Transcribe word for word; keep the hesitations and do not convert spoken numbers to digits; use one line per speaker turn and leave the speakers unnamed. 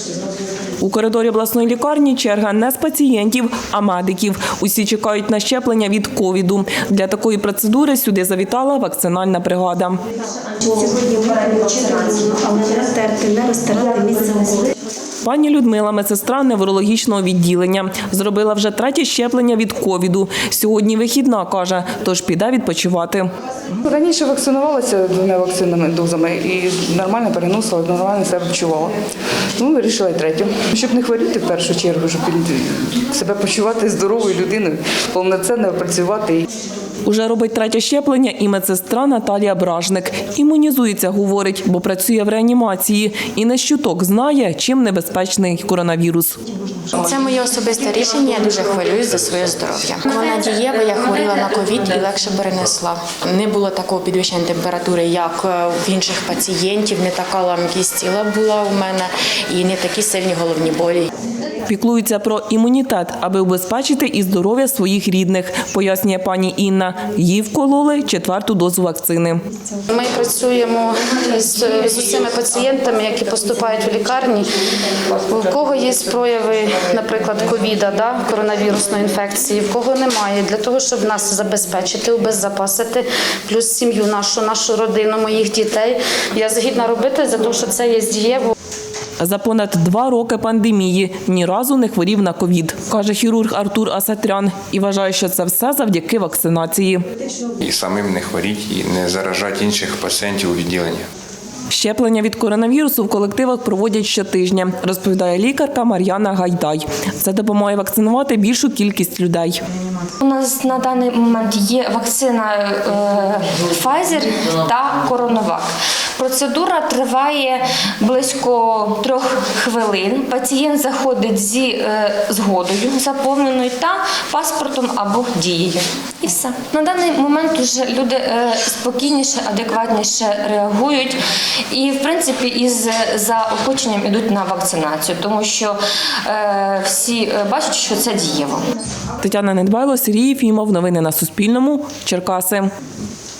У коридорі обласної лікарні черга не з пацієнтів, а медиків. Усі чекають на щеплення від ковіду. Для такої процедури сюди завітала вакцинальна бригада.
Сьогодні введені вакцинацію, але не розтерти, не розтирати місце уколу.
Пані Людмила – медсестра неврологічного відділення. Зробила вже третє щеплення від ковіду. Сьогодні вихідна, каже, тож піде відпочивати.
Раніше вакцинувалася двома вакцинами, дозами і нормально переносила, нормально себе почувала. Ну, вирішила і третю. Щоб не хворіти в першу чергу, щоб себе почувати здоровою людиною, повноцінно працювати.
Уже робить третє щеплення і медсестра Наталія Бражник. Імунізується, говорить, бо працює в реанімації. І не щуток знає, чим небезпечний коронавірус.
Це моє особисте рішення, я дуже хвилююсь за своє здоров'я. Вона дієва, я хворіла на ковід і легше перенесла. Не було такого підвищення температури, як в інших пацієнтів, не така ламкість тіла була у мене і не такі сильні головні болі.
Піклуються про імунітет, аби убезпечити і здоров'я своїх рідних, пояснює пані Інна. Їй вкололи четверту дозу вакцини.
Ми працюємо з, з усіма пацієнтами, які поступають в лікарні, у кого є прояви, наприклад, ковіда, да, коронавірусної інфекції, в кого немає, для того, щоб нас забезпечити, убезпечити, плюс сім'ю нашу, нашу родину, моїх дітей. Я згідна робити, за те, що це є дієво.
За понад два роки пандемії ні разу не хворів на ковід, каже хірург Артур Асатрян. І вважає, що це все завдяки вакцинації.
І самим не хворіти, і не заражати інших пацієнтів у відділенні.
Щеплення від коронавірусу в колективах проводять щотижня, розповідає лікарка Мар'яна Гайдай. Це допомагає вакцинувати більшу кількість людей.
У нас на даний момент є вакцина е, Pfizer та CoronaVac. Процедура триває близько трьох хвилин. Пацієнт заходить зі е, згодою заповненою та паспортом або дією. І все. На даний момент вже люди е, спокійніше, адекватніше реагують і, в принципі, із заохоченням йдуть на вакцинацію, тому що е, всі бачать, що це дієво.
Тетяна Недбайло, Сергій Єфімов. Новини на Суспільному. Черкаси.